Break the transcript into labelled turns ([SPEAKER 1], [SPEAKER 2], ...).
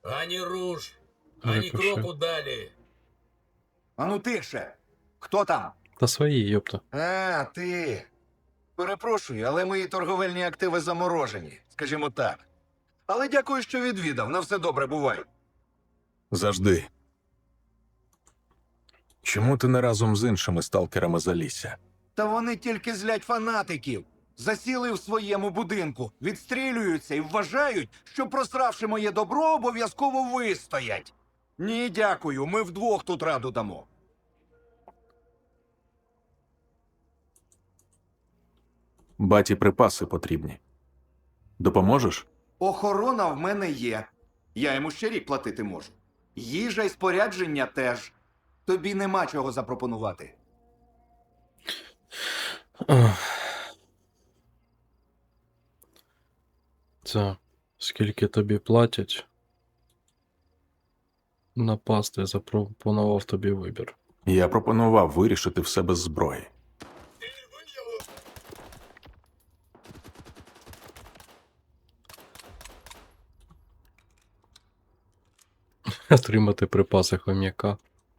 [SPEAKER 1] Ані руш, ані
[SPEAKER 2] Рикошет.
[SPEAKER 1] кроку далі.
[SPEAKER 3] Ану тихше. Хто там?
[SPEAKER 2] Та свої, йопта.
[SPEAKER 3] А, ти. Перепрошую, але мої торговельні активи заморожені, скажімо так. Але дякую, що відвідав. На все добре, бувай.
[SPEAKER 4] Завжди. Чому ти не разом з іншими сталкерами залісся?
[SPEAKER 3] Та вони тільки злять фанатиків. Засіли в своєму будинку, відстрілюються і вважають, що просравши моє добро, обов'язково вистоять. Ні, дякую, ми вдвох тут раду дамо.
[SPEAKER 4] Баті припаси потрібні. Допоможеш?
[SPEAKER 3] Охорона в мене є. Я йому ще рік платити можу. Їжа й спорядження теж. Тобі нема чого запропонувати.
[SPEAKER 2] Це скільки тобі платять? Напасти запропонував тобі вибір.
[SPEAKER 4] Я пропонував вирішити все без зброї.
[SPEAKER 2] Отримати припаси хом'яка.